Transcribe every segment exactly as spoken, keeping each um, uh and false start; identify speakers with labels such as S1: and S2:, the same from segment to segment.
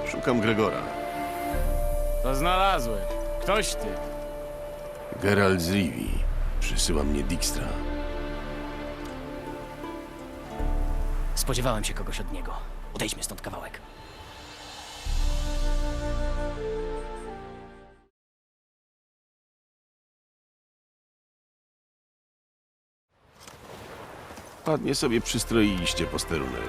S1: Szukam Gregora.
S2: To znalazłem. Ktoś ty.
S1: Geralt z Rivii. Przysyła mnie Dijkstra.
S3: Spodziewałem się kogoś od niego. Odejdźmy stąd kawałek.
S1: Ładnie sobie przystroiliście posterunek.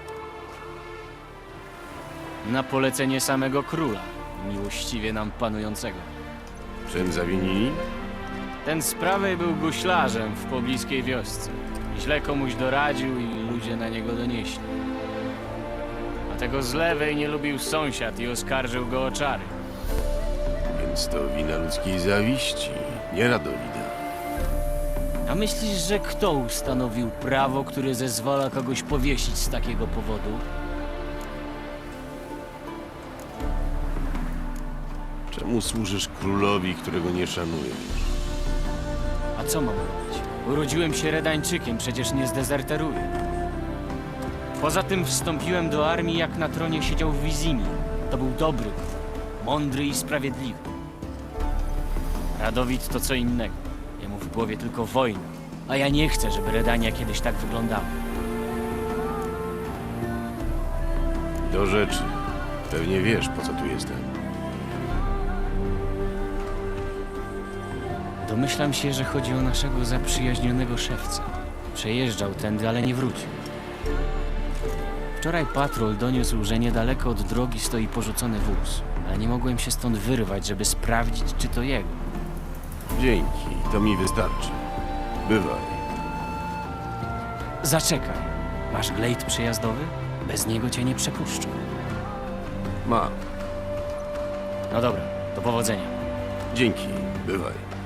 S2: Na polecenie samego króla, miłościwie nam panującego.
S1: Czym zawinili?
S2: Ten z prawej był guślarzem w pobliskiej wiosce. Źle komuś doradził i ludzie na niego donieśli. A tego z lewej nie lubił sąsiad i oskarżył go o czary.
S1: Więc to wina ludzkiej zawiści, nie Radowida.
S2: A myślisz, że kto ustanowił prawo, które zezwala kogoś powiesić z takiego powodu?
S1: Czemu służysz królowi, którego nie szanujesz?
S2: A co mam robić? Urodziłem się Redańczykiem, przecież nie zdezerteruję. Poza tym wstąpiłem do armii, jak na tronie siedział w Wizimie. To był dobry, mądry i sprawiedliwy. Radowid to co innego. Jemu w głowie tylko wojna. A ja nie chcę, żeby Redania kiedyś tak wyglądała.
S1: Do rzeczy. Pewnie wiesz, po co tu jestem.
S2: Domyślam się, że chodzi o naszego zaprzyjaźnionego szewca. Przejeżdżał tędy, ale nie wrócił. Wczoraj patrol doniósł, że niedaleko od drogi stoi porzucony wóz, ale nie mogłem się stąd wyrwać, żeby sprawdzić, czy to jego.
S1: Dzięki, to mi wystarczy. Bywaj.
S2: Zaczekaj. Masz glejt przejazdowy? Bez niego cię nie przepuszczą.
S1: Mam.
S2: No dobra, do powodzenia.
S1: Dzięki, bywaj.